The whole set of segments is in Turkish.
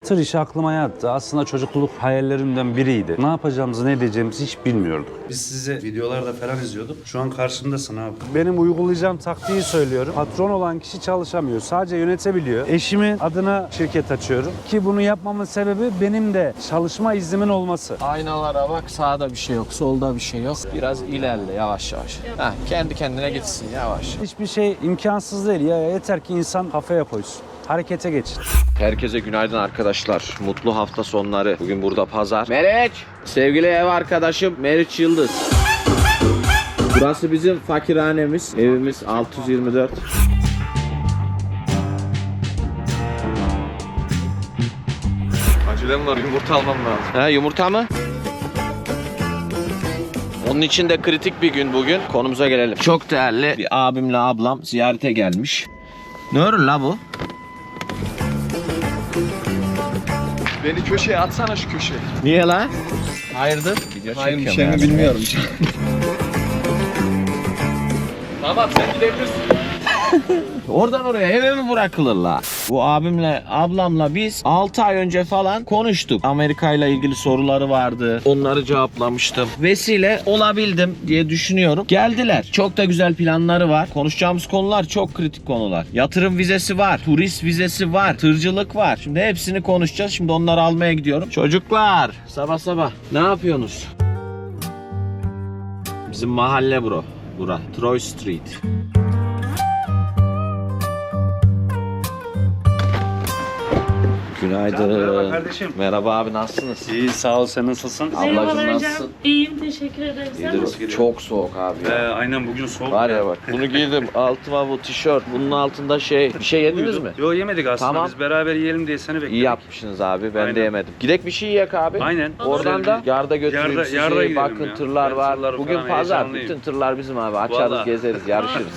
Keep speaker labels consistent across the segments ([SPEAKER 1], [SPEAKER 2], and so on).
[SPEAKER 1] Tır işi aklıma yattı. Aslında çocukluk hayallerimden biriydi. Ne yapacağımızı, ne edeceğimizi hiç bilmiyorduk. Biz size videolarda falan izliyorduk. Şu an karşımdasın abi. Benim uygulayacağım taktiği söylüyorum. Patron olan kişi çalışamıyor. Sadece yönetebiliyor. Eşimin adına şirket açıyorum. Ki bunu yapmamın sebebi benim de çalışma iznimin olması.
[SPEAKER 2] Aynalara bak, sağda bir şey yok, solda bir şey yok. Biraz ilerle yavaş yavaş. Heh, kendi kendine gitsin yavaş.
[SPEAKER 1] Hiçbir şey imkansız değil. Ya yeter ki insan kafaya koysun. Harekete geçin.
[SPEAKER 2] Herkese günaydın arkadaşlar. Mutlu hafta sonları. Bugün burada pazar. Meriç! Sevgili ev arkadaşım Meriç Yıldız. Burası bizim fakirhanemiz. Evimiz 624.
[SPEAKER 3] Acelem var, yumurta almam lazım.
[SPEAKER 2] Ha, yumurta mı? Onun için de kritik bir gün bugün. Konumuza gelelim. Çok değerli bir abimle ablam ziyarete gelmiş. Ne örün la bu?
[SPEAKER 3] Beni köşeye atsana, şu köşeye.
[SPEAKER 2] Niye la? Hayırdır?
[SPEAKER 3] Hayır, bir şey mi bilmiyorum. Tamam, sen gidebilirsin.
[SPEAKER 2] Oradan oraya eve mi bırakılır la? Bu abimle ablamla biz 6 ay önce falan konuştuk. Amerika ile ilgili soruları vardı. Onları cevaplamıştım. Vesile olabildim diye düşünüyorum. Geldiler. Çok da güzel planları var. Konuşacağımız konular çok kritik konular. Yatırım vizesi var. Turist vizesi var. Tırcılık var. Şimdi hepsini konuşacağız. Şimdi onları almaya gidiyorum. Çocuklar sabah sabah ne yapıyorsunuz? Bizim mahalle bro. Bura. Troy Street. Günaydın.
[SPEAKER 1] Merhaba kardeşim.
[SPEAKER 2] Merhaba abi, nasılsınız?
[SPEAKER 1] İyi, sağ ol. Sen nasılsın?
[SPEAKER 2] Ablacığım nasılsın?
[SPEAKER 4] İyiyim, teşekkür ederim. Sen
[SPEAKER 2] İyidir.
[SPEAKER 4] nasılsın?
[SPEAKER 2] Çok soğuk abi ya.
[SPEAKER 1] Aynen bugün soğuk.
[SPEAKER 2] Var ya bak. Bunu giydim. Altıma bu tişört. Bunun altında bir şey yediniz mi?
[SPEAKER 1] Yok, yemedik aslında.
[SPEAKER 2] Tamam.
[SPEAKER 1] Biz beraber yiyelim diye seni bekledik.
[SPEAKER 2] İyi yapmışsınız abi. Ben de
[SPEAKER 1] Aynen.
[SPEAKER 2] yemedim. Gidek bir şey yiyek abi.
[SPEAKER 1] Aynen.
[SPEAKER 2] Oradan
[SPEAKER 1] Güzel
[SPEAKER 2] da
[SPEAKER 1] bir-
[SPEAKER 2] yarda götüreyim
[SPEAKER 1] Yarda-
[SPEAKER 2] sizi.
[SPEAKER 1] yarda gidelim
[SPEAKER 2] Bakın
[SPEAKER 1] ya.
[SPEAKER 2] tırlar
[SPEAKER 1] Ben
[SPEAKER 2] var.
[SPEAKER 1] tırları
[SPEAKER 2] Bugün
[SPEAKER 1] falan
[SPEAKER 2] pazar.
[SPEAKER 1] heyecanlıyım.
[SPEAKER 2] Bütün tırlar bizim abi. Açarız,
[SPEAKER 1] Vallahi.
[SPEAKER 2] gezeriz, yarışırız.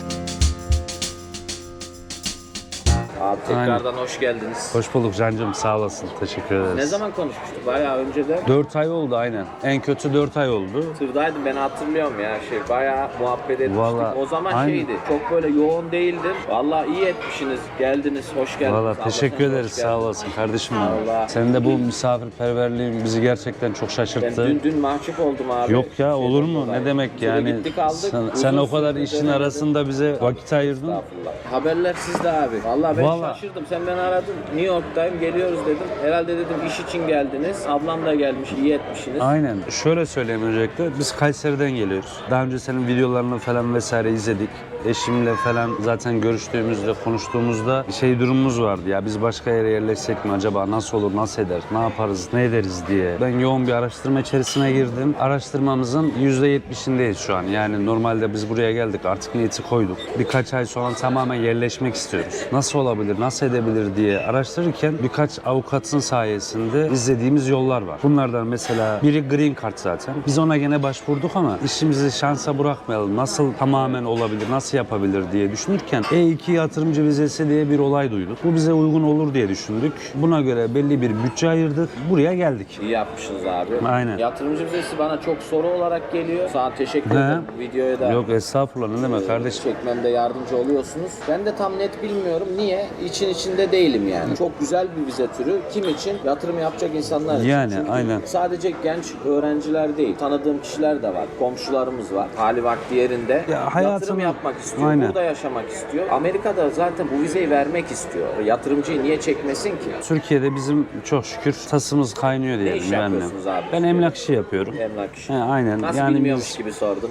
[SPEAKER 2] Abi tekrardan hoş geldiniz.
[SPEAKER 1] Hoş bulduk Cancığım, sağ olasın. Teşekkür ederiz.
[SPEAKER 2] Ne zaman konuşmuştuk? Bayağı önceden.
[SPEAKER 1] 4 ay oldu aynen. En kötü 4 ay oldu.
[SPEAKER 2] Tırdaydım, ben hatırlıyorum ya, bayağı muhabbet etmiştik.
[SPEAKER 1] Vallahi,
[SPEAKER 2] O zaman
[SPEAKER 1] aynen.
[SPEAKER 2] çok böyle yoğun değildim. Vallahi iyi etmişsiniz, geldiniz, hoş geldiniz.
[SPEAKER 1] Valla
[SPEAKER 2] Abla,
[SPEAKER 1] teşekkür
[SPEAKER 2] sen de
[SPEAKER 1] ederiz,
[SPEAKER 2] hoş
[SPEAKER 1] sağ
[SPEAKER 2] geldin.
[SPEAKER 1] olasın kardeşim benim.
[SPEAKER 2] Vallahi.
[SPEAKER 1] Senin de bu misafirperverliğin bizi gerçekten çok
[SPEAKER 2] Ben
[SPEAKER 1] şaşırttı.
[SPEAKER 2] dün mahcup oldum abi.
[SPEAKER 1] Yok ya, olur mu?
[SPEAKER 2] dolayı.
[SPEAKER 1] Ne demek
[SPEAKER 2] Şöyle
[SPEAKER 1] yani?
[SPEAKER 2] gittik, aldık.
[SPEAKER 1] Sen o
[SPEAKER 2] Uzun
[SPEAKER 1] kadar
[SPEAKER 2] süre
[SPEAKER 1] işin
[SPEAKER 2] dönemedim.
[SPEAKER 1] arasında bize vakit ayırdın.
[SPEAKER 2] Estağfurullah. Haberler sizde abi. Vallahi ben
[SPEAKER 1] Vallahi.
[SPEAKER 2] şaşırdım. Sen beni aradın. New York'tayım, geliyoruz dedim. Herhalde dedim iş için geldiniz. Ablam da gelmiş, iyi etmişsiniz.
[SPEAKER 1] Aynen. Şöyle söyleyeyim öncelikle. Biz Kayseri'den geliyoruz. Daha önce senin videolarını falan vesaire izledik. Eşimle falan zaten görüştüğümüzde, konuştuğumuzda durumumuz vardı. Ya biz başka yere yerleşsek mi acaba? Nasıl olur, nasıl eder, ne yaparız, ne ederiz diye. Ben yoğun bir araştırma içerisine girdim. Araştırmamızın %70'indeyiz şu an. Yani normalde biz buraya geldik, artık niyeti koyduk. Birkaç ay sonra tamamen yerleşmek istiyoruz. Nasıl olabilir, nasıl edebilir diye araştırırken birkaç avukatın sayesinde izlediğimiz yollar var. Bunlardan mesela biri Green Card zaten. Biz ona gene başvurduk ama işimizi şansa bırakmayalım. Nasıl tamamen olabilir, nasıl yapabilir diye düşünürken E2 yatırımcı vizesi diye bir olay duyduk. Bu bize uygun olur diye düşündük. Buna göre belli bir bütçe ayırdık. Buraya geldik.
[SPEAKER 2] İyi yapmışsınız abi.
[SPEAKER 1] Aynen.
[SPEAKER 2] Yatırımcı vizesi bana çok soru olarak geliyor. Sana teşekkür ederim. Videoya da
[SPEAKER 1] Yok estağfurullah, ne demek kardeşim.
[SPEAKER 2] çekmemde yardımcı oluyorsunuz. Ben de tam net bilmiyorum. Niye? İçinde değilim yani. Çok güzel bir vize türü. Kim için? Yatırım yapacak insanlar için.
[SPEAKER 1] Yani,
[SPEAKER 2] Çünkü
[SPEAKER 1] aynen.
[SPEAKER 2] sadece genç öğrenciler değil. Tanıdığım kişiler de var. Komşularımız var. Hali vakti yerinde.
[SPEAKER 1] Ya
[SPEAKER 2] Yatırım yapmak istiyor.
[SPEAKER 1] Aynen.
[SPEAKER 2] Burada yaşamak istiyor. Amerika'da zaten bu vizeyi vermek istiyor. Yatırımcıyı niye çekmesin ki?
[SPEAKER 1] Türkiye'de bizim çok şükür tasımız kaynıyor
[SPEAKER 2] Ne
[SPEAKER 1] diyelim.
[SPEAKER 2] iş yapıyorsunuz abi?
[SPEAKER 1] Ben emlak işi yapıyorum.
[SPEAKER 2] Emlak işi.
[SPEAKER 1] Aynen.
[SPEAKER 2] Nasıl
[SPEAKER 1] yani
[SPEAKER 2] bilmiyormuş
[SPEAKER 1] biz-
[SPEAKER 2] gibi sordum.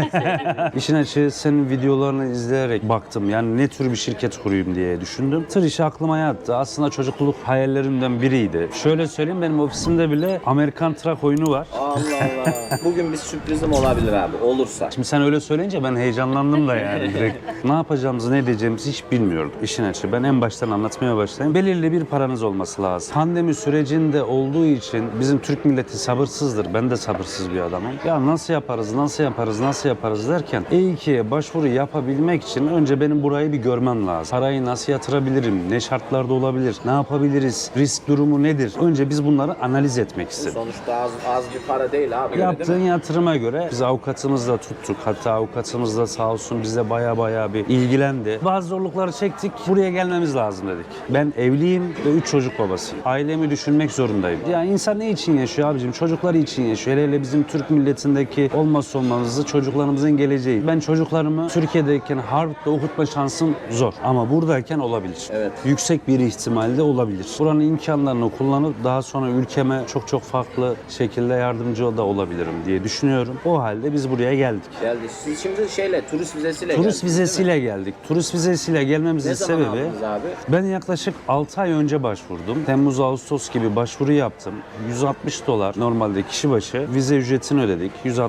[SPEAKER 1] İşin açığı senin videolarını izleyerek baktım. Yani ne tür bir şirket kurayım diye düşündüm. Tır işi aklıma yattı. Aslında çocukluk hayallerimden biriydi. Şöyle söyleyeyim, benim ofisimde bile Amerikan Truck oyunu var.
[SPEAKER 2] Allah Allah. Bugün bir sürprizim olabilir abi. Olursa.
[SPEAKER 1] Şimdi sen öyle söyleyince ben heyecanlandım da yani direkt. Ne yapacağımızı, ne edeceğimizi hiç bilmiyordum. İşin açığı. Ben en baştan anlatmaya başlayayım. Belirli bir paranız olması lazım. Pandemi sürecinde olduğu için bizim Türk milleti sabırsızdır. Ben de sabırsız bir adamım. Ya nasıl yaparız, nasıl yaparız, nasıl yaparız derken E2'ye başvuru yapabilmek için önce benim burayı bir görmem lazım. Parayı nasıl yatırabilirim, ne şartlarda olabilir, ne yapabiliriz, risk durumu nedir? Önce biz bunları analiz etmek istedim.
[SPEAKER 2] Sonuçta az bir para değil abi.
[SPEAKER 1] Yaptığın yatırıma göre biz avukatımızla tuttuk. Hatta avukatımız da sağ olsun bize baya bir ilgilendi. Bazı zorlukları çektik. Buraya gelmemiz lazım dedik. Ben evliyim ve 3 çocuk babasıyım. Ailemi düşünmek zorundayım. Yani insan ne için yaşıyor abicim? Çocukları için yaşıyor. Hele bizim Türk milletindeki olmazsa olmazı çocuklarımızın geleceği. Ben çocuklarımı Türkiye'deyken Harvard'da okutma şansım zor. Ama buradayken olabilir.
[SPEAKER 2] Evet.
[SPEAKER 1] Yüksek bir ihtimalle olabilir. Buranın imkanlarını kullanıp daha sonra ülkeme çok farklı şekilde yardımcı da olabilirim diye düşünüyorum. O halde biz buraya geldik.
[SPEAKER 2] Geldi. Siz şimdi turist vizesiyle
[SPEAKER 1] Turist vizesiyle geldik. Turist vizesiyle gelmemizin
[SPEAKER 2] Ne zaman
[SPEAKER 1] sebebi
[SPEAKER 2] aldınız abi?
[SPEAKER 1] ben yaklaşık 6 ay önce başvurdum. Temmuz Ağustos gibi başvuru yaptım. $160 normalde kişi başı vize ücretini ödedik.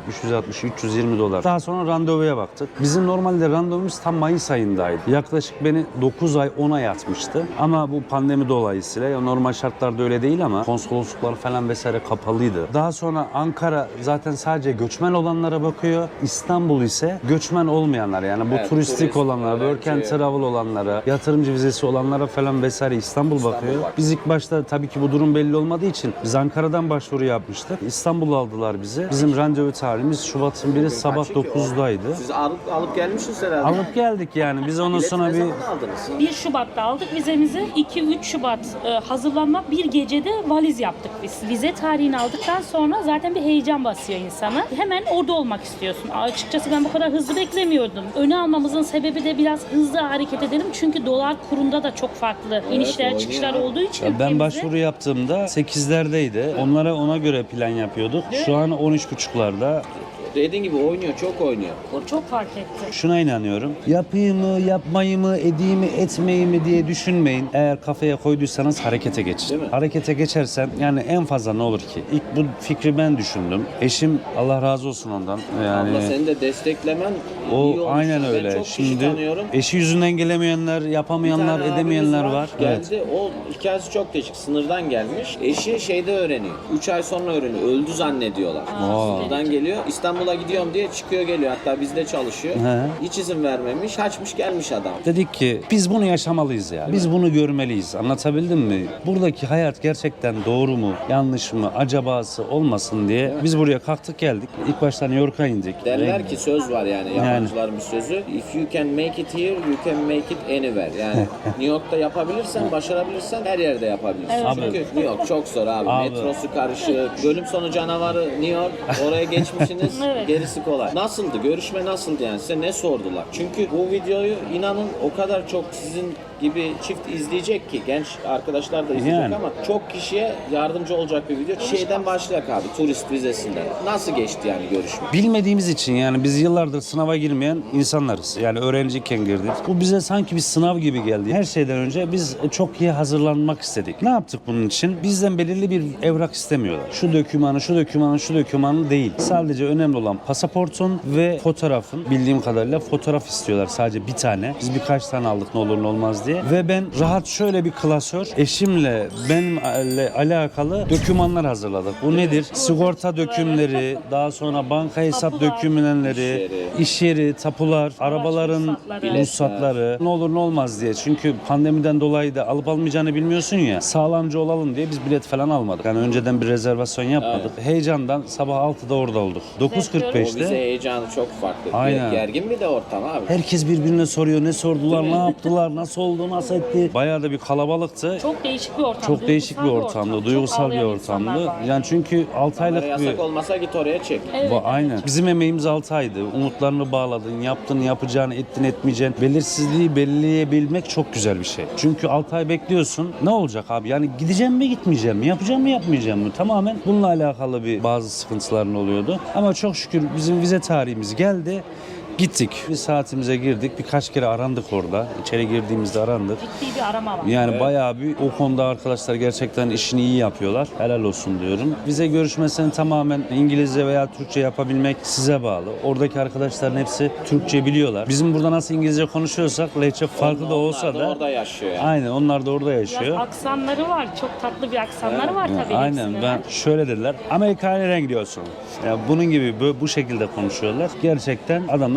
[SPEAKER 1] 320 dolar. Daha sonra randevuya baktık. Bizim normalde randevumuz tam Mayıs ayındaydı. Yaklaşık beni 9 ay 10 ay atmıştı. Ama bu pandemi dolayısıyla ya normal şartlarda öyle değil ama konsolosluklar falan vesaire kapalıydı. Daha sonra Ankara zaten sadece göçmen olanlara bakıyor. İstanbul ise göçmen olmayanlar yani bu
[SPEAKER 2] Evet,
[SPEAKER 1] turistik
[SPEAKER 2] turist,
[SPEAKER 1] olanlara, work and
[SPEAKER 2] öğrenci.
[SPEAKER 1] travel olanlara, yatırımcı vizesi olanlara falan vesaire İstanbul bakıyor. Biz ilk başta tabii ki bu durum belli olmadığı için biz Ankara'dan başvuru yapmıştık. İstanbul'a aldılar bizi. Bizim randevu tarihimiz Şubat'ın 1'i sabah 9'daydı.
[SPEAKER 2] Siz alıp gelmişsiniz herhalde.
[SPEAKER 1] Alıp geldik yani. Biz ondan
[SPEAKER 2] Bileti
[SPEAKER 1] sonra
[SPEAKER 2] ne
[SPEAKER 1] bir
[SPEAKER 2] zaman aldınız?
[SPEAKER 4] 1 Şubat'ta aldık vizemizi. 2-3 Şubat hazırlanma, bir gecede valiz yaptık biz. Vize tarihini aldıktan sonra zaten bir heyecan basıyor insana. Hemen orada olmak istiyorsun. Açıkçası ben bu kadar hızlı beklemiyordum. Öne almamızın sebebi de biraz hızlı hareket edelim. Çünkü dolar kurunda da çok farklı inişler
[SPEAKER 2] oynuyor.
[SPEAKER 4] çıkışlar olduğu için
[SPEAKER 1] ben
[SPEAKER 4] ülkemizde-
[SPEAKER 1] başvuru yaptığımda 8'lerdeydi. Onlara ona göre plan yapıyorduk. Şu an 13.5'larda.
[SPEAKER 2] Dediğin gibi oynuyor, çok oynuyor.
[SPEAKER 4] O çok fark etti.
[SPEAKER 1] Şuna inanıyorum. Yapayım mı, yapmayı mı, edeyim mi, etmeyi mi diye düşünmeyin. Eğer kafaya koyduysanız harekete geçin.
[SPEAKER 2] Değil mi?
[SPEAKER 1] Harekete geçersen yani en fazla ne olur ki? İlk bu fikri ben düşündüm. Eşim Allah razı olsun ondan. Yani
[SPEAKER 2] Abla seni de desteklemen iyi
[SPEAKER 1] o
[SPEAKER 2] olmuş.
[SPEAKER 1] aynen
[SPEAKER 2] Ben
[SPEAKER 1] öyle.
[SPEAKER 2] çok kişi
[SPEAKER 1] Şimdi
[SPEAKER 2] tanıyorum.
[SPEAKER 1] eşi yüzünden gelemeyenler, yapamayanlar,
[SPEAKER 2] Bir tane
[SPEAKER 1] edemeyenler
[SPEAKER 2] abimiz
[SPEAKER 1] var.
[SPEAKER 2] Geldi. O hikayesi çok değişik. Sınırdan gelmiş. Eşi şeyde öğreniyor. 3 ay sonra öğreniyor. Öldü zannediyorlar. Sınırdan geliyor. İstanbul'a gidiyorum diye çıkıyor geliyor. Hatta bizde çalışıyor.
[SPEAKER 1] He.
[SPEAKER 2] Hiç izin vermemiş. Kaçmış gelmiş adam.
[SPEAKER 1] Dedik ki biz bunu yaşamalıyız ya. Biz bunu görmeliyiz. Anlatabildim mi? Buradaki hayat gerçekten doğru mu, yanlış mı, acabası olmasın diye biz buraya kalktık geldik. İlk başta New York'a indik.
[SPEAKER 2] Derler ki söz var yani yabancıların bir sözü. If you can make it here, you can make it anywhere. Yani New York'ta yapabilirsen, başarabilirsen her yerde yapabilirsin.
[SPEAKER 4] Evet.
[SPEAKER 2] Çünkü New York çok zor abi.
[SPEAKER 1] Abi.
[SPEAKER 2] Metrosu karışık. Bölüm sonu canavarı New York. Oraya geçmişsiniz.
[SPEAKER 4] Evet.
[SPEAKER 2] Gerisi kolay. Nasıldı? Görüşme nasıldı yani? Size ne sordular? Çünkü bu videoyu inanın o kadar çok sizin gibi çift izleyecek ki genç arkadaşlar da izleyecek
[SPEAKER 1] Yani.
[SPEAKER 2] ama çok kişiye yardımcı olacak bir video. Şeyden başlayak abi. Turist vizesinden. Nasıl geçti yani görüşme?
[SPEAKER 1] Bilmediğimiz için yani biz yıllardır sınava girmeyen insanlarız. Yani öğrenciyken girdik. Bu bize sanki bir sınav gibi geldi. Her şeyden önce biz çok iyi hazırlanmak istedik. Ne yaptık bunun için? Bizden belirli bir evrak istemiyorlar. Şu dokümanı, şu dokümanı, şu dokümanı değil. Sadece önemli olan pasaportun ve fotoğrafın. Bildiğim kadarıyla fotoğraf istiyorlar. Sadece bir tane. Biz birkaç tane aldık ne olur ne olmaz diye. Ve ben rahat şöyle bir klasör eşimle benimle alakalı dokümanlar hazırladık. Bu nedir? Sigorta dökümleri, daha sonra banka hesap
[SPEAKER 4] Tapular,
[SPEAKER 1] dökümleri, iş yeri, tapular, arabaların
[SPEAKER 4] ruhsatları.
[SPEAKER 1] ruhsatları, ne olur ne olmaz diye. Çünkü pandemiden dolayı da alıp almayacağını bilmiyorsun ya. Sağlamcı olalım diye biz bilet falan almadık. Yani önceden bir rezervasyon yapmadık. Heyecandan sabah 6'da orada olduk.
[SPEAKER 2] O vize
[SPEAKER 1] 9.45'te
[SPEAKER 2] heyecanı çok farklı.
[SPEAKER 1] Aynen.
[SPEAKER 2] Gergin bir de ortam abi.
[SPEAKER 1] herkes birbirine soruyor. Ne sordular, ne yaptılar, nasıl oldu, nasıl etti. Bayağı da bir kalabalıktı.
[SPEAKER 4] Çok değişik bir ortam.
[SPEAKER 1] Çok değişik bir
[SPEAKER 4] duygusal
[SPEAKER 1] ortamdı,
[SPEAKER 4] Çok
[SPEAKER 1] duygusal bir
[SPEAKER 4] ağlayan
[SPEAKER 1] ortamdı.
[SPEAKER 4] insanlar var.
[SPEAKER 1] Yani çünkü 6
[SPEAKER 2] Kamera
[SPEAKER 1] aylık bir...
[SPEAKER 2] yasak olmasa git oraya çek.
[SPEAKER 4] Evet,
[SPEAKER 1] Aynen. Bizim emeğimiz 6 aydı. Umutlarını bağladın, yaptın, yapacağını, ettin, etmeyeceğin. Belirsizliği belirleyebilmek çok güzel bir şey. Çünkü 6 ay bekliyorsun. Ne olacak abi? Yani gideceğim mi, gitmeyeceğim mi? Yapacağım mı, yapmayacağım mı? Tamamen bununla alakalı bir bazı sıkıntıların oluyordu. Ama çok şükür bizim vize tarihimiz geldi. Gittik. Bir saatimize girdik. Birkaç kere arandık orada. İçeri girdiğimizde arandık.
[SPEAKER 4] Ciddi bir arama var.
[SPEAKER 1] Yani bayağı bir o konuda arkadaşlar gerçekten işini iyi yapıyorlar. Helal olsun diyorum. Vize görüşmesini tamamen İngilizce veya Türkçe yapabilmek size bağlı. Oradaki arkadaşların hepsi Türkçe biliyorlar. Bizim burada nasıl İngilizce konuşuyorsak lehçe farklı da olsa
[SPEAKER 2] Onlar
[SPEAKER 1] da
[SPEAKER 2] orada yaşıyor yani.
[SPEAKER 1] aynen onlar da orada
[SPEAKER 4] Biraz
[SPEAKER 1] yaşıyor.
[SPEAKER 4] aksanları var. Çok tatlı bir aksanları var tabii
[SPEAKER 1] Aynen
[SPEAKER 4] hepsinin.
[SPEAKER 1] ben şöyle dediler. Amerika'ya nereye gidiyorsun? Yani bunun gibi bu şekilde konuşuyorlar. Gerçekten adamlar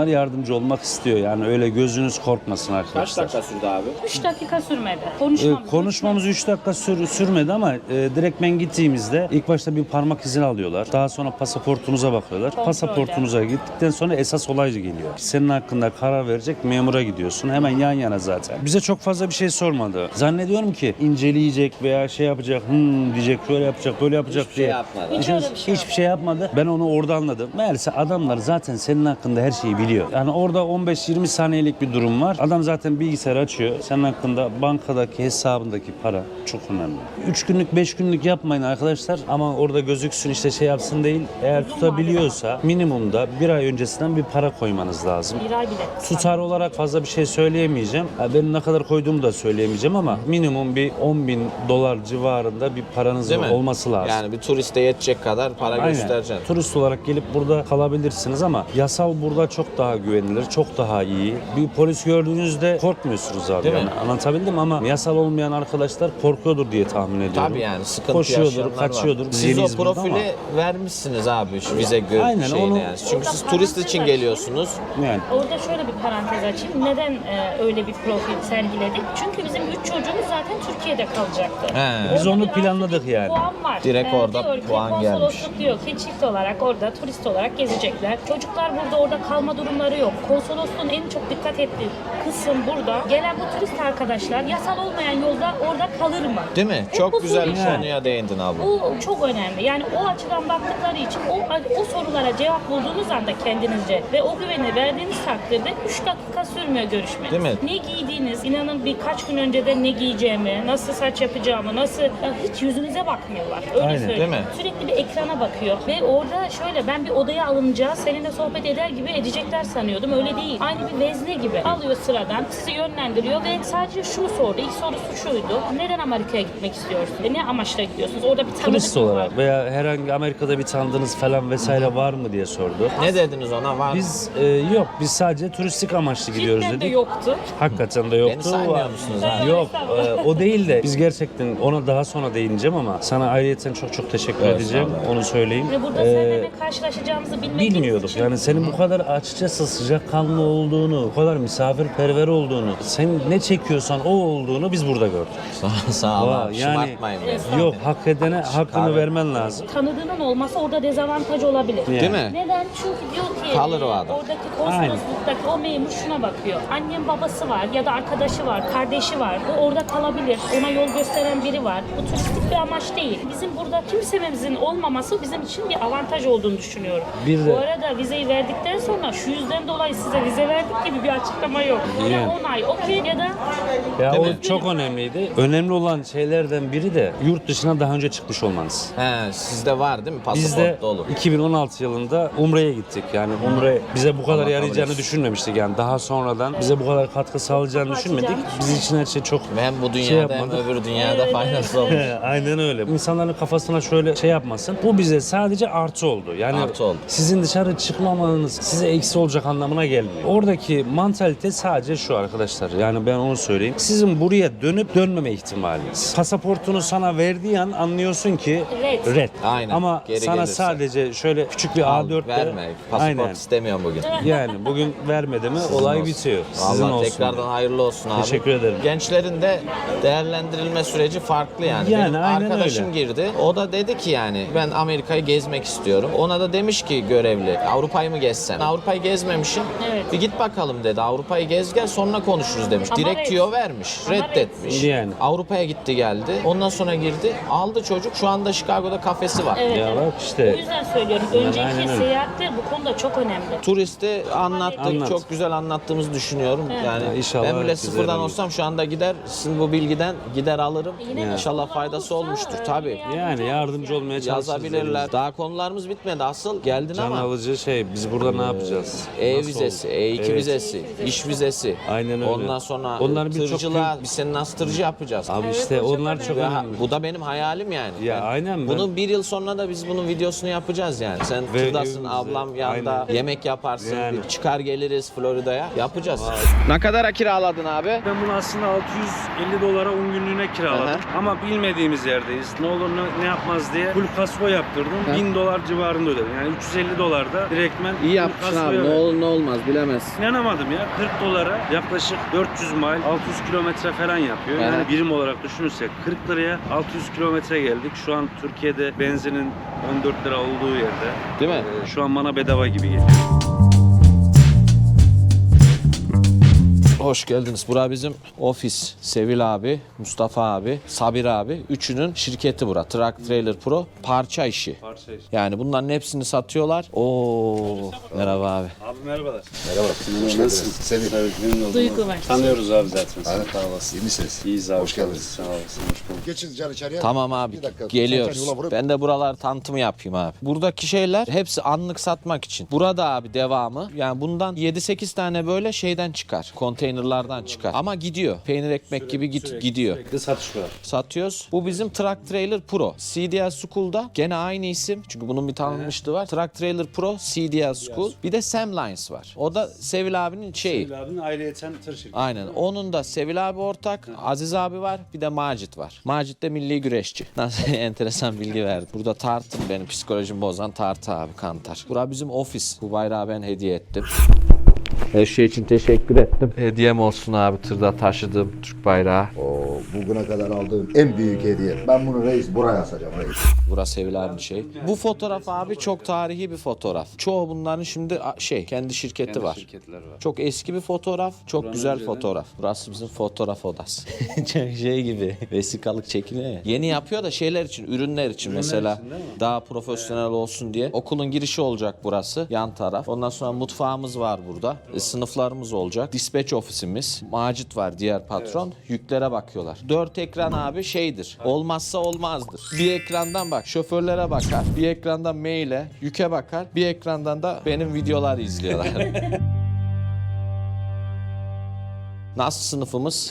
[SPEAKER 1] yardımcı olmak istiyor. Yani öyle gözünüz korkmasın
[SPEAKER 2] Kaç
[SPEAKER 1] arkadaşlar.
[SPEAKER 2] dakika sürdü abi?
[SPEAKER 4] 3 dakika sürmedi.
[SPEAKER 1] Konuşmamız 3 dakika sürmedi ama direkt ben gittiğimizde ilk başta bir parmak izini alıyorlar. Daha sonra pasaportunuza bakıyorlar.
[SPEAKER 4] Kontrolde.
[SPEAKER 1] Pasaportunuza gittikten sonra esas olay geliyor. Senin hakkında karar verecek memura gidiyorsun. Hemen yan yana zaten. Bize çok fazla bir şey sormadı. Zannediyorum ki inceleyecek veya şey yapacak, diyecek, şöyle yapacak, böyle yapacak
[SPEAKER 2] Hiçbir
[SPEAKER 1] diye.
[SPEAKER 2] şey yapmadı.
[SPEAKER 4] Hiç öyle bir şey
[SPEAKER 1] Hiçbir şey yapmadı. Ben onu orada anladım. Meğerse adamlar zaten senin hakkında her şeyi biliyor. Yani orada 15-20 saniyelik bir durum var. Adam zaten bilgisayar açıyor. Senin hakkında bankadaki hesabındaki para çok önemli. 3 günlük 5 günlük yapmayın arkadaşlar ama orada gözüksün işte şey yapsın değil. Eğer tutabiliyorsa minimumda bir ay öncesinden bir para koymanız lazım.
[SPEAKER 4] Bir ay bile.
[SPEAKER 1] Tutar olarak fazla bir şey söyleyemeyeceğim. Benim ne kadar koyduğumu da söyleyemeyeceğim ama minimum bir $10.000 civarında bir paranız
[SPEAKER 2] Değil mi?
[SPEAKER 1] olması lazım.
[SPEAKER 2] Yani bir turiste yetecek kadar para
[SPEAKER 1] Aynen.
[SPEAKER 2] göstereceksin.
[SPEAKER 1] Turist olarak gelip burada kalabilirsiniz ama yasal burada çok daha güvenilir, çok daha iyi. Bir polis gördüğünüzde korkmuyorsunuz abi.
[SPEAKER 2] Değil mi?
[SPEAKER 1] Yani anlatabildim ama yasal olmayan arkadaşlar korkuyordur diye tahmin ediyorum.
[SPEAKER 2] Tabii yani sıkıntı
[SPEAKER 1] Koşuyordur,
[SPEAKER 2] yaşayanlar
[SPEAKER 1] kaçıyordur.
[SPEAKER 2] var.
[SPEAKER 1] Biz
[SPEAKER 2] Siz o
[SPEAKER 1] yeniyiz burada
[SPEAKER 2] profili vermişsiniz abi şu vize
[SPEAKER 1] Aynen,
[SPEAKER 2] şeyini
[SPEAKER 1] onu-
[SPEAKER 2] yani. Çünkü siz turist için geliyorsunuz.
[SPEAKER 1] Yani
[SPEAKER 4] Orada şöyle bir parantez açayım. Neden öyle bir profil sergiledik? Çünkü bizim 3 çocuğumuz zaten Türkiye'de kalacaktı.
[SPEAKER 2] He.
[SPEAKER 1] Biz
[SPEAKER 4] Orada
[SPEAKER 1] onu
[SPEAKER 4] bir artı
[SPEAKER 1] planladık
[SPEAKER 4] bir
[SPEAKER 1] yani.
[SPEAKER 4] Puan var.
[SPEAKER 2] Direkt orada
[SPEAKER 4] diyor ki,
[SPEAKER 2] puan gelmiş.
[SPEAKER 4] Konsolosluk diyor ki çift olarak orada turist olarak gezecekler. Çocuklar burada orada kalma durumları yok. Konsolosluğun en çok dikkat ettiği kısım burada. Gelen bu turist arkadaşlar yasal olmayan yolda orada kalır mı?
[SPEAKER 2] Değil mi?
[SPEAKER 4] Hep
[SPEAKER 2] Çok
[SPEAKER 4] bu
[SPEAKER 2] güzel
[SPEAKER 4] soru
[SPEAKER 2] bir
[SPEAKER 4] işareti.
[SPEAKER 2] konuya değindin abla.
[SPEAKER 4] Bu çok önemli. Yani o açıdan baktıkları için o sorulara cevap bulduğunuz anda kendinizce ve o güveni verdiğiniz takdirde 3 dakika sürmüyor görüşmeniz.
[SPEAKER 2] Değil mi?
[SPEAKER 4] Ne giydiğiniz, inanın birkaç gün önceden ne giyeceğimi, nasıl saç yapacağımı, nasıl hiç yüzünüze bakmıyorlar. Öyle
[SPEAKER 1] Aynen.
[SPEAKER 4] söyleyeyim.
[SPEAKER 2] Değil mi?
[SPEAKER 4] Sürekli bir ekrana bakıyor ve orada şöyle ben bir odaya alınca seninle sohbet eder gibi edecekler sanıyordum. Öyle değil. Aynı bir vezne gibi. Alıyor sıradan, sizi yönlendiriyor ve sadece şunu sordu. İlk sorusu şuydu. Neden Amerika'ya gitmek istiyorsun? Ne amaçla gidiyorsunuz? Orada bir tanıdık
[SPEAKER 1] turist
[SPEAKER 4] mı var?
[SPEAKER 1] olarak veya herhangi Amerika'da bir tanıdığınız falan vesaire var mı diye sordu.
[SPEAKER 2] Ne dediniz ona? Var mı?
[SPEAKER 1] Biz yok, biz sadece turistik amaçlı gidiyoruz
[SPEAKER 4] Cidden de
[SPEAKER 1] dedik.
[SPEAKER 4] yoktu.
[SPEAKER 1] Hakikaten de yoktu.
[SPEAKER 2] Beni saymıyor musunuz abi?
[SPEAKER 1] Yok, o değil de biz gerçekten ona daha sonra değineceğim ama sana ayrıyeten çok çok teşekkür
[SPEAKER 2] Evet,
[SPEAKER 1] edeceğim.
[SPEAKER 2] sağ ol.
[SPEAKER 1] Onu söyleyeyim.
[SPEAKER 4] Ve burada seninle ne karşılaşacağımızı bilmediğimiz
[SPEAKER 1] Bilmiyorduk.
[SPEAKER 4] için
[SPEAKER 1] Yani senin bu kadar açıkçası sıcakkanlı olduğunu, bu kadar misafirperver olduğunu, sen ne çekiyorsan o olduğunu biz burada gördük.
[SPEAKER 2] Sağ ol
[SPEAKER 1] Vay,
[SPEAKER 2] abi.
[SPEAKER 1] yani-
[SPEAKER 2] Şımartmayın beni.
[SPEAKER 1] Yok, hak edene hakkını
[SPEAKER 2] Abi.
[SPEAKER 1] vermen lazım.
[SPEAKER 4] tanıdığının olması orada dezavantaj olabilir.
[SPEAKER 1] Yani.
[SPEAKER 2] Değil mi?
[SPEAKER 4] Neden? Çünkü diyor ki
[SPEAKER 2] Kalır o adam.
[SPEAKER 4] oradaki konsolosluktaki o memur şuna bakıyor. Annem babası var ya da arkadaşı var, kardeşi var. O orada kalabilir. Ona yol gösteren biri var. Bu turistik bir amaç değil. Bizim burada kimsemizin olmaması bizim için bir avantaj olduğunu düşünüyorum.
[SPEAKER 1] Bir de-
[SPEAKER 4] Bu arada vizeyi verdikten sonra şu yüzden dolayı size vize verdik gibi bir açıklama yok. Ya
[SPEAKER 1] Yani.
[SPEAKER 4] 10 ay okey ya da
[SPEAKER 1] Ya
[SPEAKER 2] Değil
[SPEAKER 1] o
[SPEAKER 2] mi?
[SPEAKER 1] çok önemliydi. Önemli olan şeylerden biri de yurt dışına daha önce çıkmış olmanız.
[SPEAKER 2] He, sizde var değil mi?
[SPEAKER 1] Biz de
[SPEAKER 2] Pasaportta olur.
[SPEAKER 1] 2016 yılında Umre'ye gittik. Yani Umre bize bu kadar
[SPEAKER 2] Allah
[SPEAKER 1] yarayacağını
[SPEAKER 2] kabul etsin.
[SPEAKER 1] düşünmemiştik. Yani daha sonradan bize bu kadar katkı sağlayacağını düşünmedik. Biz için her şey çok
[SPEAKER 2] Ve hem bu
[SPEAKER 1] şey
[SPEAKER 2] dünyada hem
[SPEAKER 1] yapmadık.
[SPEAKER 2] öbür dünyada faydası olur.
[SPEAKER 1] Aynen öyle. İnsanların kafasına şöyle şey yapmasın. Bu bize sadece artı oldu. Yani
[SPEAKER 2] Artı oldu.
[SPEAKER 1] sizin dışarı çıkmamanız size eksi olacak anlamına gelmiyor. Oradaki mantalite sadece şu arkadaşlar. Yani ben onu söyleyeyim. Sizin buraya dönüp dönmeme ihtimaliniz. Pasaportunu sana verdiği an anlıyorsun ki
[SPEAKER 4] Red.
[SPEAKER 1] red.
[SPEAKER 2] Aynen.
[SPEAKER 1] Ama
[SPEAKER 2] Geri
[SPEAKER 1] sana
[SPEAKER 2] gelirse.
[SPEAKER 1] sadece şöyle küçük bir
[SPEAKER 2] Al,
[SPEAKER 1] A4'le
[SPEAKER 2] verme. Pasaport
[SPEAKER 1] aynen.
[SPEAKER 2] istemiyorum bugün.
[SPEAKER 1] Yani bugün vermedi mi olay
[SPEAKER 2] olsun.
[SPEAKER 1] bitiyor. Sizin
[SPEAKER 2] Vallahi
[SPEAKER 1] olsun.
[SPEAKER 2] tekrardan hayırlı olsun abi.
[SPEAKER 1] Teşekkür ederim.
[SPEAKER 2] Gençlerin de değerlendirilme süreci farklı yani.
[SPEAKER 1] Yani
[SPEAKER 2] Benim
[SPEAKER 1] aynen
[SPEAKER 2] arkadaşım
[SPEAKER 1] öyle.
[SPEAKER 2] girdi. O da dedi ki yani ben Amerika'yı gezmek istiyorum. Ona da demiş ki görevli Avrupa'yı mı gezsen? Avrupa'yı gezmemişsin.
[SPEAKER 4] Evet.
[SPEAKER 2] Bir git bakalım dedi. Avrupa'yı gez gel sonra konuşuruz demiş.
[SPEAKER 4] Ama
[SPEAKER 2] Direkt
[SPEAKER 4] red.
[SPEAKER 2] tüyo vermiş.
[SPEAKER 4] Ama
[SPEAKER 2] Reddetmiş.
[SPEAKER 1] Yani.
[SPEAKER 2] Avrupa'ya gitti geldi. Ondan sonra girdi. Aldı çocuk. Şu anda Chicago'da kafesi var.
[SPEAKER 4] Evet,
[SPEAKER 1] Ya
[SPEAKER 4] evet.
[SPEAKER 1] bak işte.
[SPEAKER 4] O yüzden söylüyorum.
[SPEAKER 1] aynen
[SPEAKER 4] Önceki
[SPEAKER 1] öyle.
[SPEAKER 4] seyahatler bu konuda çok önemli.
[SPEAKER 2] Turisti anlattık.
[SPEAKER 1] Anlat.
[SPEAKER 2] Çok güzel anlattığımızı düşünüyorum. Yani
[SPEAKER 1] Ya inşallah
[SPEAKER 2] ben bile
[SPEAKER 1] güzel
[SPEAKER 2] sıfırdan
[SPEAKER 1] olur.
[SPEAKER 2] olsam şu anda gider sizin bu bilgiden gider alırım.
[SPEAKER 4] Yine de
[SPEAKER 2] İnşallah
[SPEAKER 4] sorular
[SPEAKER 2] faydası
[SPEAKER 4] olursa,
[SPEAKER 2] olmuştur
[SPEAKER 4] yine
[SPEAKER 2] tabii.
[SPEAKER 1] Yani yardımcı olmaya çalışırız.
[SPEAKER 2] Yazabilirler. Daha konularımız bitmedi. Asıl geldin
[SPEAKER 1] Can
[SPEAKER 2] ama
[SPEAKER 1] alıcı şey biz burada ne yapacağız?
[SPEAKER 2] E
[SPEAKER 1] Nasıl
[SPEAKER 2] vizesi,
[SPEAKER 1] oldu?
[SPEAKER 2] E2
[SPEAKER 1] Evet.
[SPEAKER 2] vizesi, iş vizesi.
[SPEAKER 1] Aynen öyle.
[SPEAKER 2] Ondan sonra
[SPEAKER 1] Onların birçok
[SPEAKER 2] tırcılığa
[SPEAKER 1] büyük-
[SPEAKER 2] biz seni nasıl tırcı yapacağız?
[SPEAKER 1] Abi
[SPEAKER 4] Evet,
[SPEAKER 1] işte
[SPEAKER 4] o çok
[SPEAKER 1] onlar çok
[SPEAKER 2] Ve
[SPEAKER 1] önemli.
[SPEAKER 2] bu da benim hayalim yani.
[SPEAKER 1] Ya aynen ben-
[SPEAKER 2] Bunun bir yıl sonra da biz bunun videosunu yapacağız yani. Sen
[SPEAKER 1] Ve
[SPEAKER 2] tırdasın,
[SPEAKER 1] evimize,
[SPEAKER 2] ablam yanında
[SPEAKER 1] aynen.
[SPEAKER 2] yemek yaparsın.
[SPEAKER 1] Yani.
[SPEAKER 2] Çıkar geliriz Florida'ya. Yapacağız. Ne kadara kiraladın abi?
[SPEAKER 1] Ben bunu aslında 650 dolara 10 günlüğüne kiraladım. Ama bilmediğimiz yerdeyiz. Ne olur ne yapmaz diye full kasko yaptırdım. 1000 dolar civarında ödedim. Yani 350 dolarda direktmen
[SPEAKER 2] İyi
[SPEAKER 1] full
[SPEAKER 2] yapmışsın
[SPEAKER 1] kaskoya
[SPEAKER 2] abi. Ne
[SPEAKER 1] verdim.
[SPEAKER 2] olur ne olmaz bilemezsin.
[SPEAKER 1] İnanamadım ya. 40 dolara yaklaşık 400 mil, 600 kilometre falan yapıyor. Yani
[SPEAKER 2] Evet.
[SPEAKER 1] birim olarak düşünürsek 40 liraya 600 kilometre geldik. Şu an Türkiye'de benzinin 14 lira olduğu yerde.
[SPEAKER 2] Değil mi?
[SPEAKER 1] Şu an bana bedava gibi geliyor.
[SPEAKER 2] Hoş geldiniz. Bura bizim ofis. Sevil abi, Mustafa abi, Sabir abi. Üçünün şirketi bura. Truck Trailer Pro. Parça işi.
[SPEAKER 1] Parça işte.
[SPEAKER 2] Yani bunların hepsini satıyorlar. Oo, merhaba abi.
[SPEAKER 1] Abi merhabalar.
[SPEAKER 5] Merhaba.
[SPEAKER 1] Nasılsın?
[SPEAKER 5] Sevil.
[SPEAKER 1] Evet, memnun oldum.
[SPEAKER 4] Duygu var.
[SPEAKER 1] Tanıyoruz abi zaten.
[SPEAKER 5] Hayır, sağ olasın. İyi misiniz?
[SPEAKER 1] İyiyiz abi.
[SPEAKER 5] Hoş geldiniz.
[SPEAKER 1] Sağ olasın. Hoş bulduk.
[SPEAKER 5] Geçin can içeriye.
[SPEAKER 2] Tamam abi.
[SPEAKER 5] Bir dakika.
[SPEAKER 2] Geliyoruz.
[SPEAKER 5] Sen yola vurup-
[SPEAKER 2] Ben de buralar tanıtımı yapayım abi. Buradaki şeyler hepsi anlık satmak için. Burada abi devamı. Yani bundan 7-8 tane böyle şeyden çıkar. Konteynerlardan çıkar. Ama gidiyor. Peynir ekmek gibi gidiyor.
[SPEAKER 1] Sürekli satış var.
[SPEAKER 2] Satıyoruz. Bu bizim Truck Trailer Pro. CDL School'da gene aynı isim. Çünkü bunun bir tanınmışlığı var. Truck Trailer Pro, CDL School. Bir de Sam Lines var. O da Sevil abinin şeyi.
[SPEAKER 1] Sevil abinin ayrıyeten tır şirketi.
[SPEAKER 2] Aynen. Onun da Sevil abi ortak, Aziz abi var, bir de Macit var. Macit de milli güreşçi. Nasıl enteresan bilgi verdi. Burada tartım benim psikolojimi bozan tartı abi, kantar. Bura bizim ofis. Bu bayrağı ben hediye ettim. Her şey için teşekkür ettim. Hediyem olsun abi, tırda taşıdığım Türk bayrağı.
[SPEAKER 5] Oo, bugüne kadar aldığım en büyük hediye. Ben bunu reis buraya asacağım reis.
[SPEAKER 2] Burası Sevil abinin şey. Bu fotoğraf abi çok tarihi bir fotoğraf. Çoğu bunların şimdi kendi şirketi var.
[SPEAKER 1] Şirketler var.
[SPEAKER 2] Çok eski bir fotoğraf, çok güzel fotoğraf. Burası bizim fotoğraf odası. Çok şey gibi, vesikalık çekiliyor ya. Yeni yapıyor da şeyler için, ürünler için mesela.
[SPEAKER 1] için değil mi?
[SPEAKER 2] Daha profesyonel olsun diye. Okulun girişi olacak burası, yan taraf. Ondan sonra mutfağımız var burada. Sınıflarımız olacak. Dispatch ofisimiz. Macit var, diğer patron. Yüklere bakıyorlar. 4 ekran abi şeydir. Olmazsa olmazdır. Bir ekrandan bak, şoförlere bakar. Bir ekrandan maile, yüke bakar. Bir ekrandan da benim videoları izliyorlar. Nasıl sınıfımız?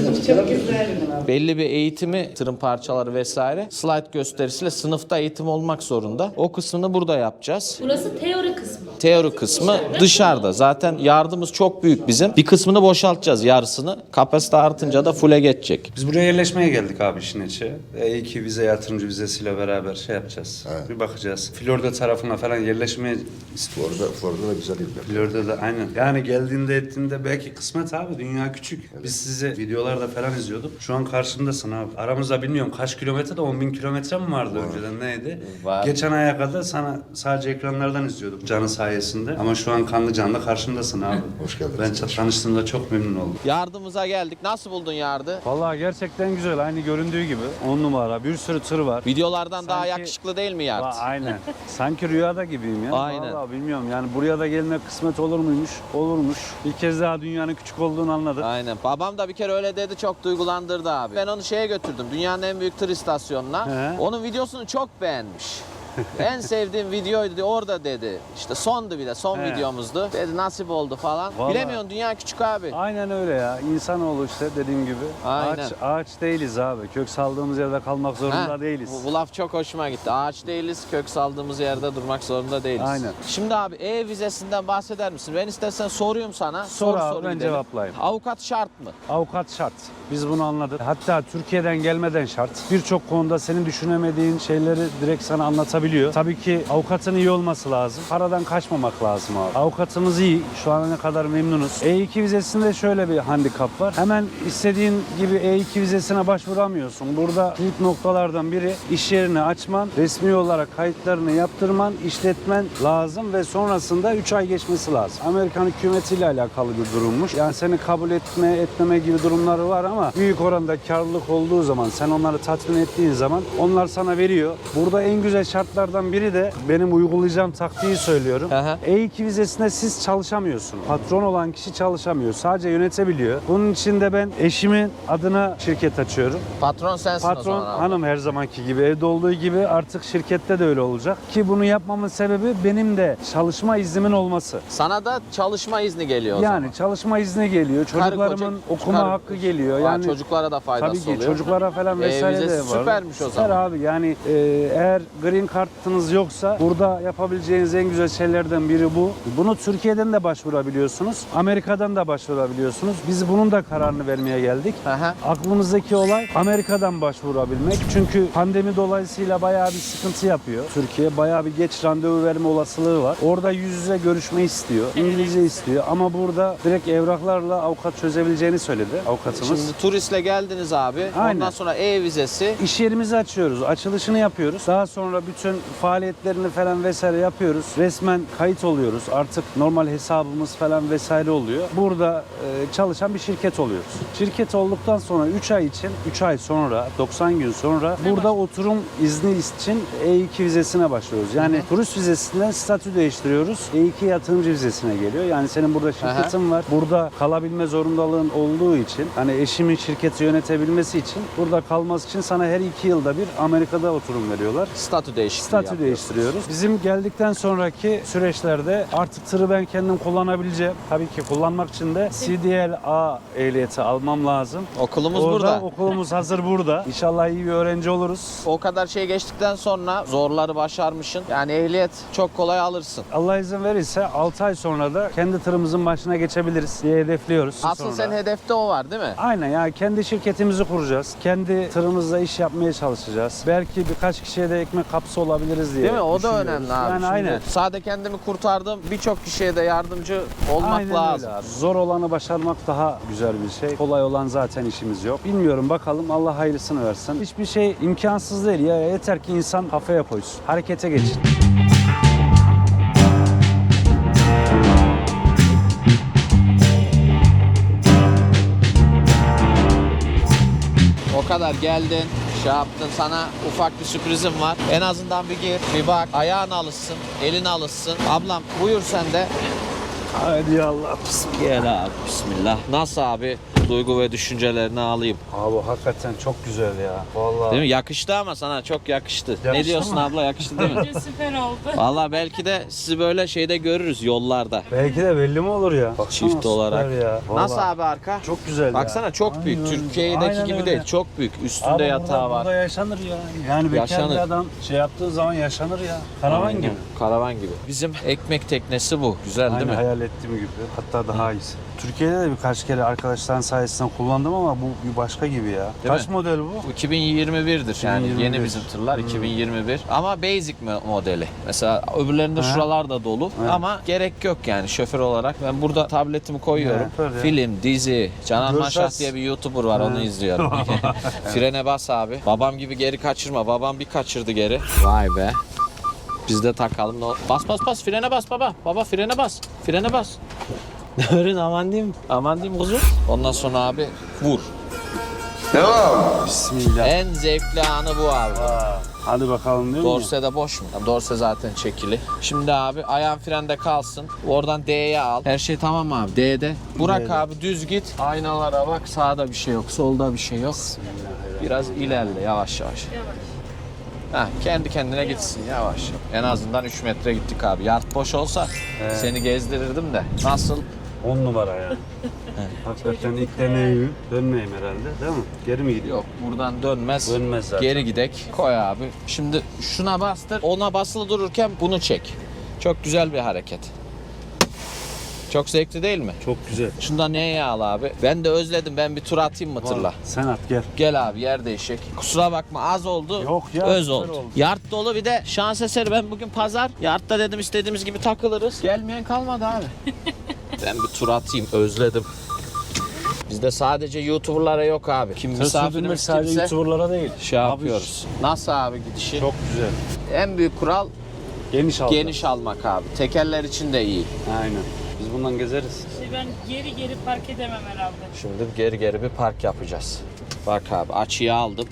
[SPEAKER 2] Belli bir eğitimi, tırın parçaları vesaire, slide gösterisiyle sınıfta eğitim olmak zorunda. O kısmını burada yapacağız.
[SPEAKER 4] Burası teori kısmı.
[SPEAKER 2] Teori kısmı dışarıda. Zaten yardımımız çok büyük bizim. Bir kısmını boşaltacağız, yarısını. Kapasite artınca da full'e geçecek.
[SPEAKER 1] Biz buraya yerleşmeye geldik abi işin içi. E2 vize, yatırımcı vizesiyle beraber şey yapacağız. Bir bakacağız. Florida tarafına falan yerleşmeye istiyoruz.
[SPEAKER 5] Florida da güzel yerler.
[SPEAKER 1] Florida'da aynen. Yani geldiğinde ettiğinde belki kısmet abi. Dünya küçük. Biz sizi videolarda falan izliyorduk. Şu an karşımdasın abi. Aramızda bilmiyorum kaç kilometre de 10.000 kilometre mi vardı önceden neydi?
[SPEAKER 2] Var.
[SPEAKER 1] Geçen aya kadar sana sadece ekranlardan izliyorduk canı sayesinde. Ama şu an kanlı canlı karşımdasın abi.
[SPEAKER 5] Hoş geldiniz.
[SPEAKER 1] Ben tanıştığımda çok memnun oldum.
[SPEAKER 2] Yardımımıza geldik. Nasıl buldun yardı?
[SPEAKER 1] Vallahi gerçekten güzel. Aynı göründüğü gibi. 10 numara. Bir sürü tır var.
[SPEAKER 2] Videolardan daha
[SPEAKER 1] Sanki-
[SPEAKER 2] yakışıklı değil mi yard?
[SPEAKER 1] Aynen. Sanki rüyada gibiyim ya.
[SPEAKER 2] Aynen.
[SPEAKER 1] Vallahi bilmiyorum yani buraya da gelmek kısmet olur muymuş? Olurmuş. Bir kez daha dünyanın küçük olduğunu anladık.
[SPEAKER 2] Aynen. Babam da bir kere öyle dedi, çok duygulandırdı abi. Ben onu şeye götürdüm, dünyanın en büyük tır istasyonuna.
[SPEAKER 1] He.
[SPEAKER 2] Onun videosunu çok beğenmiş. En sevdiğim videoydu dedi, orada dedi. İşte sondu bir de, son
[SPEAKER 1] He.
[SPEAKER 2] videomuzdu. Dedi nasip oldu falan.
[SPEAKER 1] Vallahi.
[SPEAKER 2] Bilemiyorsun, dünya küçük abi.
[SPEAKER 1] Aynen öyle ya. İnsanoğlu işte dediğim gibi.
[SPEAKER 2] Aynen.
[SPEAKER 1] Ağaç değiliz abi. Kök saldığımız yerde kalmak zorunda
[SPEAKER 2] Ha,
[SPEAKER 1] değiliz.
[SPEAKER 2] Bu laf çok hoşuma gitti. Ağaç değiliz, kök saldığımız yerde durmak zorunda değiliz.
[SPEAKER 1] Aynen.
[SPEAKER 2] Şimdi abi vizesinden bahseder misin? Ben istersen sorayım sana.
[SPEAKER 1] Sor abi,
[SPEAKER 2] soru
[SPEAKER 1] ben
[SPEAKER 2] gidelim.
[SPEAKER 1] cevaplayayım.
[SPEAKER 2] Avukat şart mı?
[SPEAKER 1] Avukat şart. Biz bunu anladık. Hatta Türkiye'den gelmeden şart. Birçok konuda senin düşünemediğin şeyleri direkt sana anlatabiliyor. Tabii ki avukatın iyi olması lazım. Paradan kaçmamak lazım abi. Avukatımız iyi. Şu ana ne kadar memnunuz. E2 vizesinde şöyle bir handikap var. Hemen istediğin gibi E2 vizesine başvuramıyorsun. Burada ilk noktalardan biri iş yerini açman, resmi olarak kayıtlarını yaptırman, işletmen lazım ve sonrasında 3 ay geçmesi lazım. Amerikan hükümetiyle alakalı bir durummuş. Yani seni kabul etmeme gibi durumları var ama büyük oranda karlılık olduğu zaman, sen onları tatmin ettiğin zaman onlar sana veriyor. Burada en güzel şartlardan biri de benim uygulayacağım taktiği söylüyorum.
[SPEAKER 2] Aha.
[SPEAKER 1] E2 vizesinde siz çalışamıyorsunuz. Patron olan kişi çalışamıyor. Sadece yönetebiliyor. Bunun için de ben eşimin adına şirket açıyorum.
[SPEAKER 2] Patron sensin o
[SPEAKER 1] Patron
[SPEAKER 2] zaman abi.
[SPEAKER 1] hanım her zamanki gibi, evde olduğu gibi artık şirkette de öyle olacak. Ki bunu yapmamın sebebi benim de çalışma iznimin olması.
[SPEAKER 2] Sana da çalışma izni geliyor o
[SPEAKER 1] Yani
[SPEAKER 2] zaman.
[SPEAKER 1] çalışma izni geliyor. Çocuklarımın
[SPEAKER 2] koca-
[SPEAKER 1] okuma
[SPEAKER 2] karı-
[SPEAKER 1] hakkı geliyor.
[SPEAKER 2] Aa,
[SPEAKER 1] Yani
[SPEAKER 2] çocuklara da faydası
[SPEAKER 1] tabii ki
[SPEAKER 2] oluyor.
[SPEAKER 1] çocuklara falan vesaire de
[SPEAKER 2] vizesi
[SPEAKER 1] var.
[SPEAKER 2] süpermiş o
[SPEAKER 1] Süper
[SPEAKER 2] zaman.
[SPEAKER 1] abi. Yani eğer green kartınız yoksa burada yapabileceğiniz en güzel şeylerden biri bu. Bunu Türkiye'den de başvurabiliyorsunuz. Amerika'dan da başvurabiliyorsunuz. Biz bunun da kararını vermeye geldik.
[SPEAKER 2] Aha.
[SPEAKER 1] Aklımızdaki olay Amerika'dan başvurabilmek. Çünkü pandemi dolayısıyla bayağı bir sıkıntı yapıyor. Türkiye bayağı bir geç randevu verme olasılığı var. Orada yüz yüze görüşme istiyor. İngilizce istiyor ama burada direkt evraklarla avukat çözebileceğini söyledi avukatımız.
[SPEAKER 2] Şimdi turistle geldiniz abi.
[SPEAKER 1] Aynen.
[SPEAKER 2] Ondan sonra e-vizesi.
[SPEAKER 1] İş yerimizi açıyoruz, açılışını yapıyoruz. Daha sonra bütün faaliyetlerini falan vesaire yapıyoruz. Resmen kayıt oluyoruz. Artık normal hesabımız falan vesaire oluyor. Burada çalışan bir şirket oluyoruz. Şirket olduktan sonra 3 ay için, 3 ay sonra, 90 gün sonra burada oturum izni için E2 vizesine başlıyoruz. Yani turist vizesinden statü değiştiriyoruz. E2 yatırımcı vizesine geliyor. Yani senin burada şirketin var. Burada kalabilme zorundalığın olduğu için, hani eşimin şirketi yönetebilmesi için, burada kalması için sana her 2 yılda bir Amerika'da oturum veriyorlar.
[SPEAKER 2] Statü değişikliği
[SPEAKER 1] Statü
[SPEAKER 2] yapıyorsunuz.
[SPEAKER 1] değiştiriyoruz. Bizim geldikten sonraki süreçlerde artık tırı ben kendim kullanabileceğim. Tabii ki kullanmak için de CDL-A ehliyeti almam lazım.
[SPEAKER 2] Okulumuz
[SPEAKER 1] Orada
[SPEAKER 2] burada.
[SPEAKER 1] okulumuz hazır burada. İnşallah iyi bir öğrenci oluruz.
[SPEAKER 2] O kadar şey geçtikten sonra zorları başarmışsın. Yani ehliyet çok kolay alırsın.
[SPEAKER 1] Allah izin verirse 6 ay sonra da kendi tırımızın başına geçebiliriz diye hedefliyoruz.
[SPEAKER 2] Asıl
[SPEAKER 1] Sonra.
[SPEAKER 2] senin hedefte o var değil mi?
[SPEAKER 1] Aynen ya, kendi şirketimizi kuracağız. Kendi tırımızla iş yapmaya çalışacağız. Belki birkaç kişiye de ekmek kapısı olabiliriz diye
[SPEAKER 2] Değil mi? O da
[SPEAKER 1] düşünüyoruz.
[SPEAKER 2] önemli abi.
[SPEAKER 1] Yani
[SPEAKER 2] Şimdi
[SPEAKER 1] aynen.
[SPEAKER 2] Sade kendimi kurtardım. Birçok kişiye de yardımcı olmak
[SPEAKER 1] Aynen
[SPEAKER 2] lazım.
[SPEAKER 1] öyle abi. Zor olanı başarmak daha güzel bir şey. Kolay olan zaten işimiz yok. Bilmiyorum, bakalım, Allah hayırlısını versin. Hiçbir şey imkansız değil ya. Yeter ki insan kafaya koysun. Harekete geçin.
[SPEAKER 2] O kadar geldin, şey yaptın, sana ufak bir sürprizim var. En azından bir gir, bir bak, ayağın alışsın, elin alışsın. Ablam buyur sen de.
[SPEAKER 1] Hadi Allah.
[SPEAKER 2] Gel abi, bismillah. Nasıl abi? Duygu ve düşüncelerini alayım.
[SPEAKER 1] Abi hakikaten çok güzel ya. Vallahi.
[SPEAKER 2] Değil mi? Yakıştı ama sana çok yakıştı. Ne
[SPEAKER 1] Yakıştı
[SPEAKER 2] diyorsun
[SPEAKER 1] mı?
[SPEAKER 2] abla, yakıştı değil mi?
[SPEAKER 4] Bence süper oldu.
[SPEAKER 2] Vallahi belki de sizi böyle şeyde görürüz yollarda.
[SPEAKER 1] Belki de belli mi olur ya? Baksana,
[SPEAKER 2] Çift
[SPEAKER 1] süper
[SPEAKER 2] olarak.
[SPEAKER 1] Ya.
[SPEAKER 2] Nasıl
[SPEAKER 1] Vallahi.
[SPEAKER 2] abi arka?
[SPEAKER 1] Çok güzel
[SPEAKER 2] Baksana
[SPEAKER 1] ya.
[SPEAKER 2] çok büyük.
[SPEAKER 1] Aynen.
[SPEAKER 2] Türkiye'deki
[SPEAKER 1] Aynen
[SPEAKER 2] gibi
[SPEAKER 1] öyle.
[SPEAKER 2] değil. Çok büyük. Üstünde
[SPEAKER 1] Abi
[SPEAKER 2] yatağı var.
[SPEAKER 1] Burada yaşanır ya. Yani bekar
[SPEAKER 2] Yaşanır.
[SPEAKER 1] bir adam şey yaptığı zaman yaşanır ya. Karavan
[SPEAKER 2] Aynen.
[SPEAKER 1] gibi.
[SPEAKER 2] Karavan gibi. Bizim ekmek teknesi bu. Güzel
[SPEAKER 1] Aynen
[SPEAKER 2] değil mi?
[SPEAKER 1] hayal ettiğim gibi. Hatta daha iyisi. Türkiye'de de birkaç kere arkadaşların sayesinde kullandım ama bu bir başka gibi ya.
[SPEAKER 2] Değil
[SPEAKER 1] Kaç
[SPEAKER 2] mi?
[SPEAKER 1] model bu?
[SPEAKER 2] Bu 2021'dir yani
[SPEAKER 1] 2021.
[SPEAKER 2] yeni bizim tırlar 2021 ama basic modeli. Mesela öbürlerinde
[SPEAKER 1] Ha.
[SPEAKER 2] şuralar da dolu
[SPEAKER 1] Evet.
[SPEAKER 2] ama gerek yok yani şoför olarak. Ben burada tabletimi koyuyorum.
[SPEAKER 1] Evet, öyle.
[SPEAKER 2] Film, dizi, Canan
[SPEAKER 1] Görsel-
[SPEAKER 2] Maşah diye bir YouTuber var onu izliyorum. Frene bas abi. Babam gibi geri kaçırma. Babam bir kaçırdı geri. Vay be. Biz de takalım. Bas bas bas frene bas baba. Baba frene bas. Frene bas. Öğren aman diyeyim. Aman diyeyim kuzum. Ondan sonra abi vur.
[SPEAKER 1] Bismillah.
[SPEAKER 2] En zevkli anı bu abi.
[SPEAKER 1] Hadi bakalım diyor
[SPEAKER 2] Dorse de boş mu? Tamam, dorse zaten çekili. Şimdi abi ayağın frende kalsın. Oradan D'ye al. Her şey tamam mı abi? D'de. Burak
[SPEAKER 1] D'de.
[SPEAKER 2] abi düz git. Aynalara bak. Sağda bir şey yok. Solda bir şey yok. Biraz ilerle yavaş yavaş. Heh, kendi kendine gitsin yavaş. En azından 3 metre gittik abi. Yard boş olsa seni gezdirirdim de. Nasıl?
[SPEAKER 1] 10 numara ya. Hakikaten ilk deneyim. Dönmeyeyim herhalde değil mi? Geri mi gidiyor?
[SPEAKER 2] Yok buradan dönmez.
[SPEAKER 1] Dönmez zaten.
[SPEAKER 2] Geri gidek. Koy abi. Şimdi şuna bastır. Ona basılı dururken bunu çek. Çok güzel bir hareket. Çok zevkli değil mi?
[SPEAKER 1] Çok güzel.
[SPEAKER 2] Şundan neye al abi? Ben de özledim. Ben bir tur atayım mı tırla?
[SPEAKER 1] Sen at gel.
[SPEAKER 2] Gel abi yer değişik. Kusura bakma az oldu.
[SPEAKER 1] Yok ya,
[SPEAKER 2] Öz
[SPEAKER 1] süper
[SPEAKER 2] oldu.
[SPEAKER 1] oldu.
[SPEAKER 2] Yard dolu bir de şans eseri ben bugün pazar. Yardta dedim istediğimiz gibi takılırız. Gelmeyen kalmadı abi. Ben bir tur atayım özledim. Bizde sadece YouTuber'lara yok abi. Kim
[SPEAKER 1] Tır sürdürmek
[SPEAKER 2] misafirimiz
[SPEAKER 1] sadece
[SPEAKER 2] kimse
[SPEAKER 1] YouTuber'lara değil.
[SPEAKER 2] şey
[SPEAKER 1] Abi,
[SPEAKER 2] yapıyoruz. Nasıl abi gidişi?
[SPEAKER 1] Çok güzel.
[SPEAKER 2] En büyük kural
[SPEAKER 1] Geniş aldı.
[SPEAKER 2] geniş almak abi. Tekerler için de iyi.
[SPEAKER 1] Aynen. Biz bundan gezeriz.
[SPEAKER 4] Ben geri park edemem herhalde.
[SPEAKER 2] Şimdi geri bir park yapacağız. Bak abi açıyı aldım.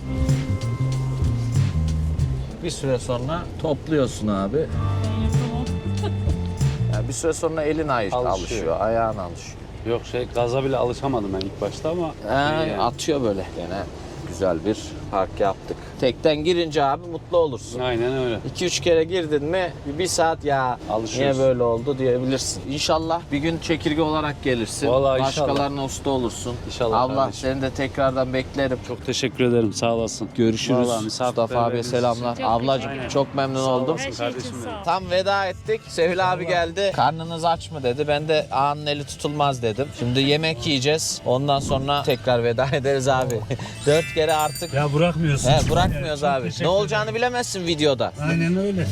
[SPEAKER 2] Bir süre sonra topluyorsun abi.
[SPEAKER 4] Ben yapamam.
[SPEAKER 2] Yani bir süre sonra elin alışıyor, ayağın alışıyor.
[SPEAKER 1] Yok gaza bile alışamadım ben ilk başta ama iyi yani.
[SPEAKER 2] Atıyor böyle. Gene güzel bir park yaptık. Tekten girince abi mutlu olursun.
[SPEAKER 1] Aynen öyle.
[SPEAKER 2] 2-3 kere girdin mi bir saat ya
[SPEAKER 1] Alışıyorsun.
[SPEAKER 2] niye böyle oldu diyebilirsin. İnşallah bir gün çekirge olarak gelirsin.
[SPEAKER 1] Vallahi inşallah.
[SPEAKER 2] Başkalarına usta olursun.
[SPEAKER 1] İnşallah
[SPEAKER 2] Allah
[SPEAKER 1] kardeşim.
[SPEAKER 2] seni de tekrardan beklerim.
[SPEAKER 1] Çok teşekkür ederim. Sağ olasın.
[SPEAKER 2] Görüşürüz.
[SPEAKER 1] Vallahi
[SPEAKER 2] Mustafa abiye selamlar.
[SPEAKER 4] Çok
[SPEAKER 2] Ablacığım
[SPEAKER 4] teşekkür
[SPEAKER 2] çok memnun
[SPEAKER 1] Sağ
[SPEAKER 2] oldum.
[SPEAKER 1] olasın
[SPEAKER 4] Her şey için
[SPEAKER 1] kardeşim
[SPEAKER 4] sağ ol.
[SPEAKER 2] Tam veda ettik. Sevil abi geldi. Karnınız aç mı dedi. Ben de ağanın eli tutulmaz dedim. Şimdi yemek yiyeceğiz. Ondan sonra tekrar veda ederiz abi. 4 kere artık
[SPEAKER 1] Ya bırakmıyorsun.
[SPEAKER 2] bırakmıyoruz abi. Ne olacağını bilemezsin videoda.
[SPEAKER 1] Aynen öyle.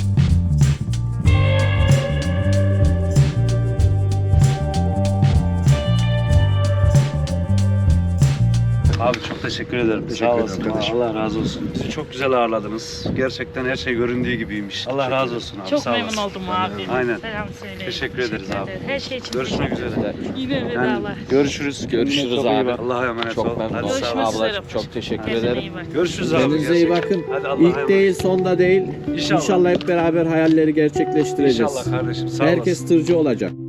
[SPEAKER 1] Abi çok teşekkür ederim.
[SPEAKER 5] Teşekkür
[SPEAKER 1] Sağ
[SPEAKER 5] ederim
[SPEAKER 1] olasın.
[SPEAKER 5] kardeşim.
[SPEAKER 1] Allah razı olsun. Bizi çok güzel ağırladınız. Gerçekten her şey göründüğü gibiymiş. Allah razı olsun abi.
[SPEAKER 4] Çok
[SPEAKER 1] sağ
[SPEAKER 4] memnun
[SPEAKER 1] olasın.
[SPEAKER 4] oldum abi.
[SPEAKER 1] Aynen.
[SPEAKER 4] Selam söyleyin.
[SPEAKER 1] Teşekkür ederiz abi.
[SPEAKER 4] Her şey için
[SPEAKER 1] Görüşmek üzere.
[SPEAKER 4] Yine
[SPEAKER 1] Yani
[SPEAKER 4] vedalar.
[SPEAKER 1] görüşürüz.
[SPEAKER 2] Görüşürüz
[SPEAKER 1] Çok iyi
[SPEAKER 2] abi.
[SPEAKER 1] bak. Allah'a emanet ol.
[SPEAKER 2] Çok memnun
[SPEAKER 1] Hadi
[SPEAKER 2] oldum.
[SPEAKER 1] sağ ol.
[SPEAKER 4] Görüşmek üzere.
[SPEAKER 2] Ablacığım çok teşekkür
[SPEAKER 4] Kendine
[SPEAKER 2] ederim.
[SPEAKER 4] iyi bak.
[SPEAKER 1] Görüşürüz abi.
[SPEAKER 2] Kendinize iyi
[SPEAKER 1] gerçekten.
[SPEAKER 2] bakın.
[SPEAKER 1] Hadi Allah'a
[SPEAKER 2] İlk
[SPEAKER 1] emanet.
[SPEAKER 2] değil, sonda değil.
[SPEAKER 1] İnşallah.
[SPEAKER 2] İnşallah hep beraber hayalleri gerçekleştireceğiz.
[SPEAKER 1] İnşallah kardeşim. Sağ
[SPEAKER 2] Herkes
[SPEAKER 1] olasın.
[SPEAKER 2] tırcı olacak.